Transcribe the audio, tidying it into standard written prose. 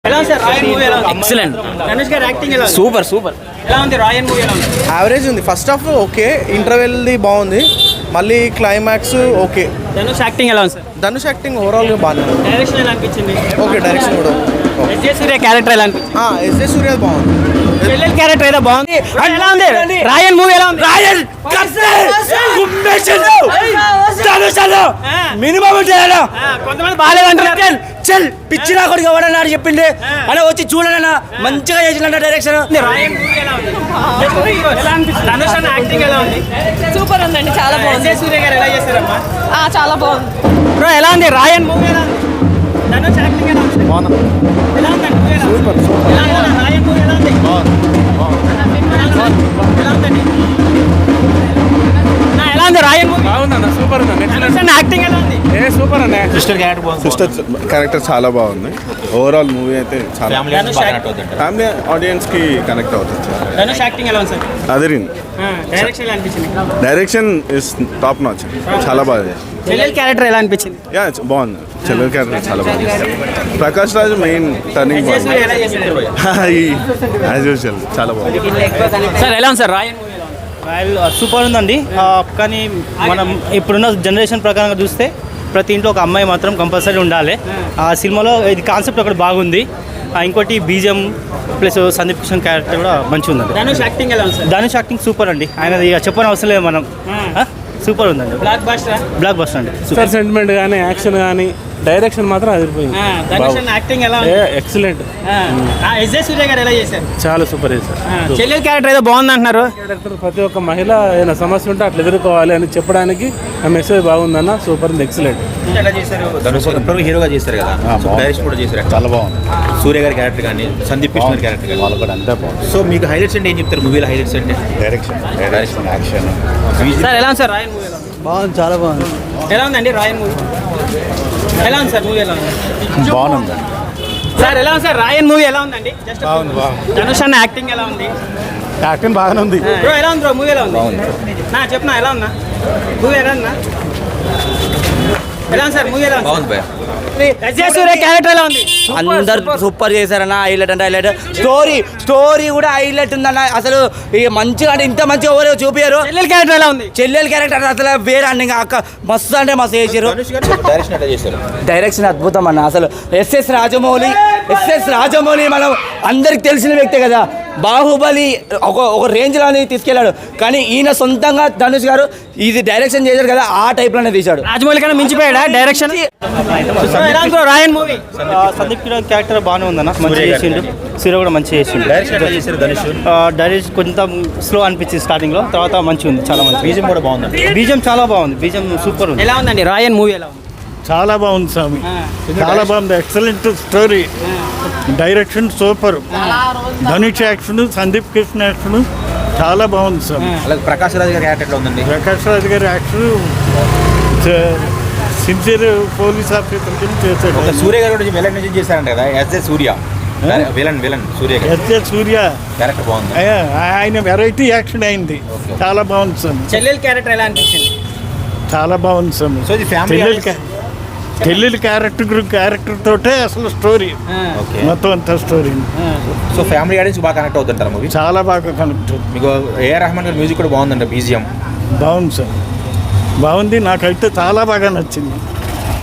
ఎలా ఉంది సార్ రాయన్ మూవీ ఎలా ఉంది? ఎక్సలెంట్. ధనుష్ గారి యాక్టింగ్ ఎలా ఉంది? Super super. ఎలా ఉంది రాయన్ మూవీ ఎలా ఉంది? యావరేజ్ ఉంది. ఫస్ట్ హాఫ్ ఓకే, ఇంటర్వెల్ది బాగుంది, మళ్ళీ క్లైమాక్స్ ఓకే. ధనుష్ యాక్టింగ్ ఎలా ఉంది సార్? ధనుష్ యాక్టింగ్ ఓవరాల్గా బాగానే ఉంది. డైరెక్షన్ ఎలా అనిపించింది? ఓకే, డైరెక్షన్ కూడా ఎస్జే సూర్య క్యారెక్టర్ ఎలా అనిపించింది? ఎస్జే సూర్య బాగుంది. చెల్లెల్ క్యారెక్టర్ ఏదో బాగుంది. ఎలా ఉంది రాయన్ మూవీ ఎలా ఉంది? రాయన్ మినిమం కొంతమంది బాగాలేదంటారు. చల్ పిచ్చినా కొడుకు ఎవడన్నాడు చెప్పింది అలా వచ్చి చూడనా మంచిగా చేసిన డైరెక్షన్. రాయన్ మూవీ ఎలా ఉంది? ఎలా అనిపించింది? ధనుష్ అన్న యాక్టింగ్ ఎలా ఉంది? సూపర్ ఉందండి, చాలా బాగుంది. ఎస్జే సూర్య గారు ఎలా చేశారమ్మా? చాలా బాగుంది. బ్రో ఎలా ఉంది రాయన్ మూవీ ఎలా ఉంది? ధనుష్ యాక్టింగ్ ఎలా ఉంది? ఎలా ఉందండి మూవీ ఎలా ఉంది? ఎలా ఉంది రాయన్ మూవీ ఎలా ఉంది? ఎలా ఉందండి? ఎలా ఉంది రాయన్ మూవీ? బాగుందన్న, సూపర్ ఉంది. ధనుష్ అన్న యాక్టింగ్ ఎలా ఉంది? సూపర్ అన్న. సిస్టర్ క్యారెక్టర్ చాలా బాగుంది. ఓవరాల్ మూవీ అయితే చాలా ఫ్యామిలీ ఆడియన్స్ కి కనెక్ట్ అవుతుంది. ధనుష్ యాక్టింగ్ ఎలా ఉంది సార్? అదిరిన్ డైరెక్షన్ ఎలా అనిపించింది? Direction is top notch. చాలా బాగా చేశారు. చెల్లెల్ క్యారెక్టర్ ఎలా అనిపించింది? యా బాగుంది. చెల్లెల్ క్యారెక్టర్ చాలా బాగుంది. Prakash Raj main turning SJ Suryah ఎలా చేశారు? యాజ్ యూజువల్ చాలా బాగుంది. సార్ ఎలా ఉంది సార్ రాయన్ మూవీ ఎలా ఉంది? సూపర్ ఉందండి. కానీ మనం ఇప్పుడున్న జనరేషన్ ప్రకారంగా చూస్తే ప్రతి ఇంట్లో ఒక అమ్మాయి మాత్రం కంపల్సరీ ఉండాలి. ఆ సినిమాలో ఇది కాన్సెప్ట్ ఒకటి బాగుంది. ఇంకోటి బీజం ప్లస్ సందీప్ కిషన్ క్యారెక్టర్ కూడా మంచిగా ఉందండి. ధనుష్ యాక్టింగ్ ఎలా ఉంది సార్? ధనుష్ యాక్టింగ్ సూపర్ అండి. ఆయన ఇక చెప్పని అవసరం లేదు మనం. సూపర్ ఉందండి. Blockbuster. బ్లాక్ బస్టర్ అండి. సూపర్ సెంటిమెంట్ కానీ యాక్షన్ కానీ డైరెక్షన్ మాత్రం అదిరిపోయింది. ధనుష్ అన్న యాక్టింగ్ ఎలా ఉంది? ఎక్సలెంట్. ఎస్జే సూర్య గారు ఎలా చేశారు? చాలా సూపర్ చేశారు. చెల్లెల్ క్యారెక్టర్ ఏదో బాగుంది అంటున్నారు. క్యారెక్టర్ ప్రతి ఒక్క మహిళ ఏదైనా సమస్య ఉంటే అట్లా ఎదుర్కోవాలి అని చెప్పడానికి ఆ మెసేజ్ బాగుందన్న. సూపర్ ఉంది, ఎక్సలెంట్. ఎలా చేశారు? ధనుష్ ఇప్పటివరకు హీరోగా చేశారు కదా, డైరెక్షన్ కూడా చేశారు. చాలా బాగుంది. సూర్య గారి క్యారెక్టర్ కానీ సందీప్ కృష్ణ గారి క్యారెక్టర్ కానీ వాళ్ళు కూడా అంతా బాగుంది. సో మీకు హైలైట్స్ అంటే ఏం చెప్తారు మూవీలో? హైలైట్స్ అంటే డైరెక్షన్, యాక్షన్. సార్ ఎలా ఉంది సార్ రాయన్ మూవీ? బాగుంది, చాలా బాగుంది. ఎలా ఉందండి రాయన్ మూవీ? ఎలా ఉంది సార్ మూవీ? ఎలా ఉంది? బాగుంది. సార్ ఎలా ఉంది సార్ రాయన్ మూవీ? ఎలా ఉందండి? జస్ట్ ధనుష్ అన్న యాక్టింగ్ ఎలా ఉంది? యాక్టింగ్ బాగానే ఉంది. బ్రో ఎలా ఉంది బ్రో మూవీ? ఎలా ఉంది నా చెప్పనా? ఎలా ఉందా మూవీ? ఎలా ఉందా? ఎలా ఉంది సార్ మూవీ? ఎలా ఉంది? బాగుంది భయ్యా. ఎస్జే సూర్య క్యారెక్టర్ ఎలా ఉంది? అందరు సూపర్ చేశారన్న. హైలైట్ అంటే హైలైట్. స్టోరీ కూడా హైలైట్ ఉందన్న. అసలు ఇక మంచిగా అంటే ఇంత మంచిగా ఎవరు చూపించారు. చెల్లెల్ క్యారెక్టర్ ఎలా ఉంది? చెల్లెల క్యారెక్టర్ అసలు వేరే అండి. ఇంకా అక్క మస్తు అంటే మస్తు చేశారు. డైరెక్షన్ ఎట్లా చేశారు? డైరెక్షన్ అద్భుతం అన్న. అసలు ఎస్ఎస్ రాజమౌళి మనం అందరికి తెలిసిన వ్యక్తే కదా. బాహుబలి ఒక రేంజ్లోనే తీసుకెళ్ళాడు. కానీ ఈయన సొంతంగా ధనుష్ గారు ఇది డైరెక్షన్ చేశారు కదా, ఆ టైప్లోనే తీశాడు. రాజమౌళి కన్నా మించిపోయాడా డైరెక్షన్? ఎలా ఉంది bro Raayan movie? Sandeep Kishan character బాగానే ఉందన్న, మంచిగా చేసిండు. సూర్య కూడా మంచిగా చేసిండు. డైరెక్షన్ ఎట్లా చేశారు ధనుష్? డైరెక్షన్ కొంచెం స్లో అనిపించింది స్టార్టింగ్లో, తర్వాత మంచిగా ఉంది, చాలా మంచి. బీజం కూడా బాగుంది. బీజం చాలా బాగుంది. బీజం సూపర్ ఉంది. ఎలా ఉందండి రాయన్ మూవీ? ఎలా ఉంది? చాలా బాగుంది స్వామి, చాలా బాగుంది. Excellent story, direction super. Dhanush action, Sandeep Krishna action చాలా బాగుంది స్వామి. అలాగే ప్రకాష్ రాజ్ గారి క్యారెక్టర్ ఎట్లా ఉందండి? ప్రకాష్ రాజ్ గారి యాక్షన్ సిన్సియర్ పోలీస్ ఆఫీసర్ కింద చేశాడు. ఒక సూర్య గారు కూడా విలన్ నుంచి చేశారంట కదా, ఎస్జే సూర్య విలన్ సూర్య గారు. ఎస్జే సూర్య క్యారెక్టర్ బాగుంది. ఆయన వెరైటీ యాక్షన్ అయింది, చాలా బాగుంది స్వామి. చెల్లెల్ క్యారెక్టర్ ఎలా అనిపించింది? చాలా బాగుంది స్వామి. సో ఇది ఫ్యామిలీ చెల్లెలి క్యారెక్టర్ తోటే అసలు స్టోరీ, మొత్తం అంతా స్టోరీ. సో ఫ్యామిలీ ఆడియన్స్ బాగా కనెక్ట్ అవుతుంటారు మూవీ. చాలా బాగా కనెక్ట్. మీకు ఏఆర్ రెహమాన్ గారి మ్యూజిక్ కూడా బాగుందండి. బీజిఎం బాగుంది సార్, బాగుంది. నాకైతే చాలా బాగా నచ్చింది.